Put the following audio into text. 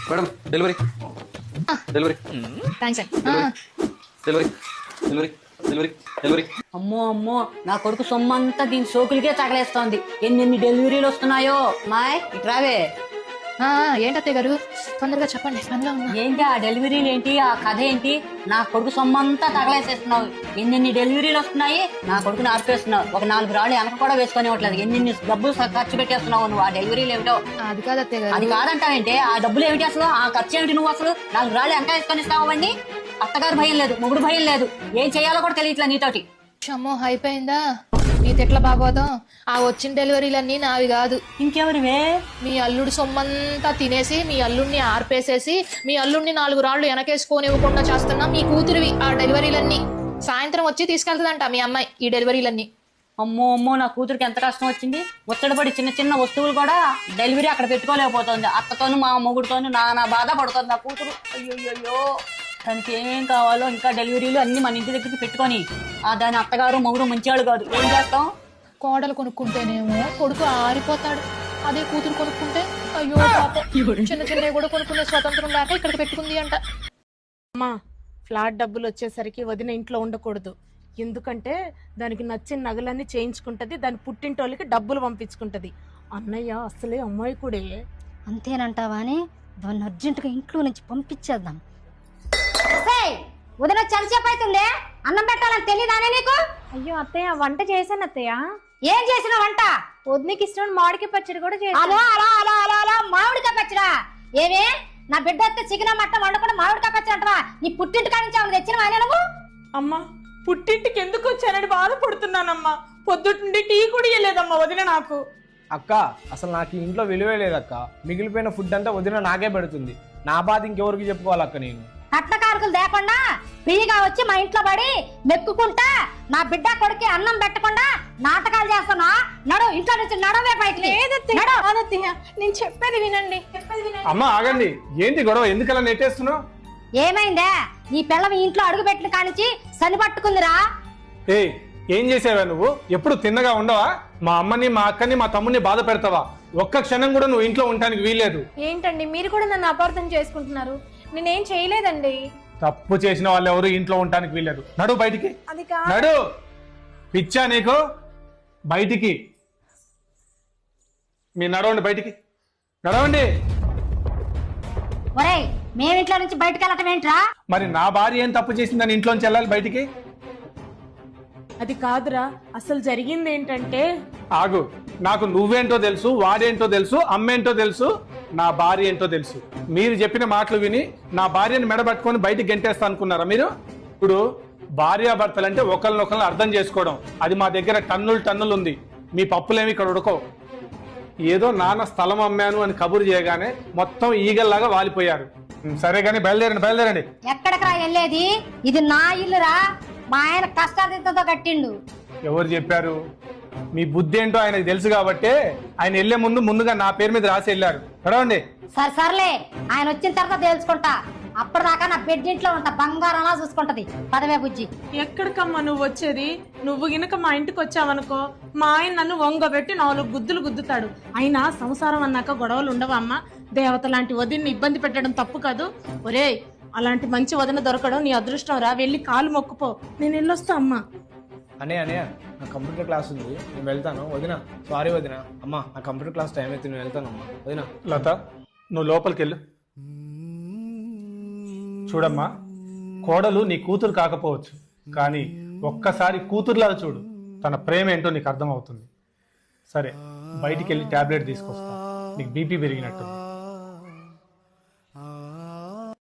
Madam delivery delivery thanks అండి. Delivery delivery delivery delivery. అమ్మో అమ్మో, నా కొడుకు సొమ్మంతా దీని సోకులకే తగలేస్తోంది. ఎన్ని డెలివరీలు వస్తున్నాయో. మాయ్ ఇట్రావే. ఏంటత్తయ్య గారు, తొందరగా చెప్పండి, పనిలో ఉన్నా. ఏంటి ఆ డెలివరీలు ఏంటి, ఆ కథ ఏంటి? నా కొడుకు సొమ్మంతా తగలేసేస్తున్నావు. ఎన్ని డెలివరీలు వస్తున్నాయి, నా కొడుకుని ఆర్పేస్తున్నావు. ఒక 4 రాళ్ళు వెనక కూడా వేసుకొని ఇవ్వట్లేదు. ఎన్ని డబ్బులు ఖర్చు పెట్టేస్తున్నావు నువ్వు. ఆ డెలివరీలు ఏమిటో. అది కాదు అత్తయ్య గారు. అది కాదంటావేంటి? ఆ డబ్బులు ఏమిటి అసలు? ఆ ఖర్చు ఏమిటి? నువ్వు అసలు 4 రాళ్ళు వెనక వేసుకొని ఇస్తావు అవన్నీ. అత్తగారు భయం లేదు, మొగుడు భయం లేదు. ఏం చేయాలో కూడా తెలియట్లేదు నీతోటి. అమ్మో, అయిపోయిందా నీ తిట్ల బాగోదాం. ఆ వచ్చిన డెలివరీలన్నీ నావి కాదు. ఇంకెవరివే? మీ అల్లుడు సొమ్మంతా తినేసి, మీ అల్లుడిని ఆర్పేసేసి, మీ అల్లుడిని 4 రాళ్ళు వెనకేసుకొని ఇవ్వకుండా చేస్తున్నా మీ కూతురివి ఆ డెలివరీలన్నీ. సాయంత్రం వచ్చి తీసుకెళ్తుందంట మీ అమ్మాయి ఈ డెలివరీలన్నీ. అమ్మో అమ్మో, నా కూతురికి ఎంత కష్టం వచ్చింది. ముచ్చటపడి చిన్న చిన్న వస్తువులు కూడా డెలివరీ అక్కడ పెట్టుకోలేకపోతుంది. అత్తతోను మా మొగుడుతోను నా బాధ పడుతుంది నా కూతురు. అయ్యో, దానికి ఏమేం కావాలో ఇంకా డెలివరీలు అన్ని మన ఇంటి దగ్గరికి పెట్టుకొని దాని అత్తగారు మొగుడు మంచివాళ్ళు కాదు. ఏం చేస్తాం? కోడలు కొనుక్కుంటేనేమో కొడుకు ఆరిపోతాడు. అదే కూతురు కొనుక్కుంటే అయ్యో పాపం, చిన్న చిన్నవి కూడా కొనుక్కునే స్వతంత్రం లేక ఇక్కడికి పెట్టుకుంది అంట. అమ్మా, ఫ్లాట్ డబ్బులు వచ్చేసరికి వదిన ఇంట్లో ఉండకూడదు. ఎందుకంటే దానికి నచ్చిన నగలన్నీ చేయించుకుంటది, దాని పుట్టింటోళ్ళకి డబ్బులు పంపించుకుంటది. అన్నయ్య అసలే అమ్మాయి కూడా. అంతేనంటావా అని దాన్ని అర్జెంటుగా ఇంట్లో నుంచి పంపించేద్దాం. ఉదయం చలిచేపు అవుతుంది, అన్నం పెట్టాలని తెలియదానే నీకు? అయ్యో అత్తయ్య, వంట చేశాను అత్తయ్య. ఏం చేసిన వంట? వదినకి ఇష్టం మామిడికాయ పచ్చడి కూడా చేశాను. అలో అలా అలా అలా అలా మామిడికాయ పచ్చడా? ఏమే నా బిడ్డ వస్తే చికెన్ మట్టం వండుకుంటే మామిడికాయ పచ్చడి అంటవా? నీ పుట్టింటి కాడి నుంచి ఆమె తెచ్చిన వానే నువ్వు? అమ్మా, పుట్టింటికి ఎందుకు వచ్చానని బాధపడుతున్నానమ్మా. పొద్దుండి టీ కూడా ఇయ్యలేదమ్మా వదిన నాకు. అక్క, అసలు నాకు ఈ ఇంట్లో విలువే లేదక్క. మిగిలిపోయిన ఫుడ్ అంతా వదిన నాకే పెడుతుంది. నా బాధ ఇంకెవరికి చెప్పుకోవాలక్క నేను? కట్నకారుకులు లేకుండా ఫ్రీగా వచ్చి మా ఇంట్లో పడి మెక్కుకుంటా నా బిడ్డ కొడుకు అన్నం పెట్టకుండా నాటకాలు చేస్తున్నా. నడు, ఇంట్లో నుంచి నడవే బయటికి. నేను చెప్పేది వినండి. అమ్మ ఆగండి, ఏంటి గొడవ? ఎందుకలా నెట్టేస్తున్నావు? ఏమైందే? నీ పిల్లవి ఇంట్లో అడుగు పెట్టిన కానించి సని పట్టుకుందిరా. ఏం చేసావా నువ్వు? ఎప్పుడు తిన్నగా ఉండవా? మా అమ్మని, మా అక్కని, మా తమ్ముని బాధ పెడతావా? ఒక్క క్షణం కూడా నువ్వు ఇంట్లో ఉండడానికి వీల్లేదు. ఏంటండి మీరు కూడా నన్ను అపార్థం చేసుకుంటున్నారు? నేనేం చేయలేదండి. తప్పు చేసిన వాళ్ళు ఎవరు ఇంట్లో ఉండడానికి వీల్లేదు. నడు బయటికి. అది కాదు. నడు. పిచ్చా నీకు? బయటికి మీరు నడవండి, బయటికి నడవండి. ఒరేయ్, మేమింట్లో నుంచి బయటకు వెళ్ళటం ఏంట్రా? మరి నా భార్య ఏం తప్పు చేసిందని ఇంట్లోంచి వెళ్ళాలి బయటికి? అది కాదురా, అసలు జరిగింది ఏంటంటే. ఆగు, నాకు నువ్వేంటో తెలుసు, వాడేంటో తెలుసు, అమ్మేంటో తెలుసు, నా భార్య ఏంటో తెలుసు. మీరు చెప్పిన మాటలు విని నా భార్యను మెడబట్టుకొని బయటికి గెంటేస్తా అనుకున్నారా మీరు? ఇప్పుడు భార్యాభర్తలంటే ఒకరినొకరిని అర్థం చేసుకోవడం. అది మా దగ్గర టన్నులు ఉంది. మీ పప్పులేమి ఇక్కడ ఉడకో. ఏదో నాన్న స్థలం అమ్మాను అని కబురు చేయగానే మొత్తం ఈగల్లాగా వాలిపోయారు. సరే గానీ బయలుదేరండి. ఎక్కడికి రా వెళ్ళేది? ఇది నా ఇల్లురా. మా ఆయన కష్టాలతో కట్టిండు. ఎవరు చెప్పారు? మీ బుద్ధి ఏంటో ఆయనకు తెలుసు కాబట్టి ఆయన వెళ్లే ముందుగా నా పేరు మీద రాసి వెళ్ళారు. చదవండి. సర్లే, ఆయన వచ్చిన తర్వాత తెలుసుకుంటా. అప్పటిదాకా నా బెడ్ ఇంట్లో ఉంటా, బంగారంలా చూసుకుంటది. పదవే బుజ్జి. ఎక్కడికమ్మా నువ్వు వచ్చేది? నువ్వు గినక మా ఇంటికి వచ్చావనుకో, మా ఆయన నన్ను వంగబెట్టి 4 గుద్దులు గుద్దుతాడు. అయినా సంసారం అన్నాక గొడవలు ఉండవా అమ్మా? దేవత లాంటి వదిన్ని ఇబ్బంది పెట్టడం తప్పు కాదు. ఒరేయ్, అలాంటి మంచి వదిన దొరకడం నీ అదృష్టం రా. వెళ్ళి కాలు మొక్కుపో. నేను వెళ్ళొస్తా అమ్మా. అనే నా కంప్యూటర్ క్లాస్ ఉంది, నేను వెళ్తాను. వదిన సారీ వదిన. అమ్మా, నా కంప్యూటర్ క్లాస్ టైం అయితే నేను వెళ్తాను అమ్మా. వదిన. లత, నువ్వు లోపలికి వెళ్ళు. చూడమ్మా, కోడలు నీ కూతురు కాకపోవచ్చు, కానీ ఒక్కసారి కూతురులా చూడు. తన ప్రేమ ఏంటో నీకు అర్థమవుతుంది. సరే, బయటికి వెళ్ళి టాబ్లెట్ తీసుకొస్తా. నీకు బీపీ పెరిగినట్టు.